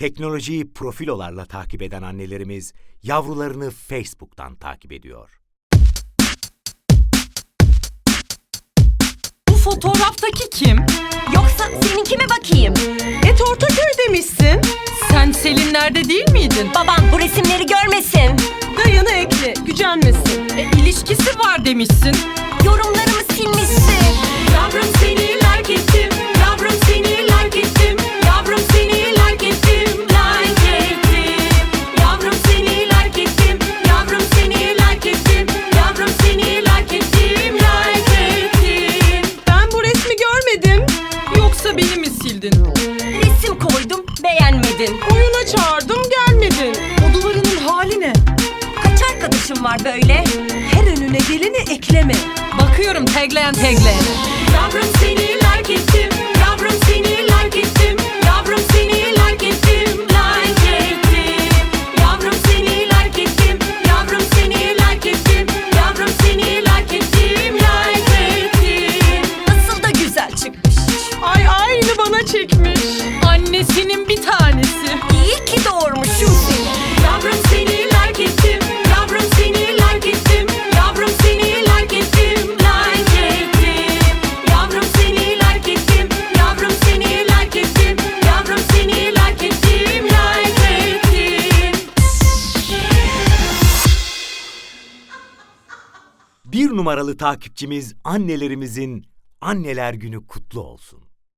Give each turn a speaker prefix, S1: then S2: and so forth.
S1: Teknolojiyi profilolarla takip eden annelerimiz yavrularını Facebook'tan takip ediyor.
S2: Bu fotoğraftaki kim?
S3: Yoksa seninki mi bakayım?
S2: Ortaköy demişsin. Sen Selinler'de değil miydin?
S3: Babam bu resimleri görmesin.
S2: Dayını ekle, gücenmesin. İlişkisi var demişsin.
S3: Yorumlarımı silmişsin.
S2: Yavrum seni like ettim. Yavrum seni like ettim. Yavrum seni like ettim. Like ettim. Yavrum seni like ettim. Yavrum seni like ettim. Yavrum seni like ettim. Like ettim. Ben bu resmi görmedim. Yoksa beni mi sildin?
S3: Resim koydum, beğenmedin.
S2: Oyuna çağırdım, gelmedin. O duvarının hali ne?
S3: Kaç arkadaşım var böyle?
S2: Her önüne geleni ekleme. Bakıyorum tagleyen. Yavrum seni like ettim. Yavrum seni like ettim. Yavrum seni like ettim. Like ettim. Yavrum seni like ettim. Yavrum seni like ettim. Yavrum seni like ettim. Like ettim.
S3: Nasıl da güzel çıkmış.
S2: Ay aynı bana çekmiş. Annesinin bir tanesi.
S3: İyi ki doğurmuşum seni.
S2: Yavrum seni like ettim. Yavrum seni like ettim. Yavrum seni like ettim. Like ettim. Yavrum seni like ettim. Yavrum seni like ettim. Yavrum seni like ettim. Like ettim.
S1: 1 numaralı takipçimiz annelerimizin Anneler Günü kutlu olsun.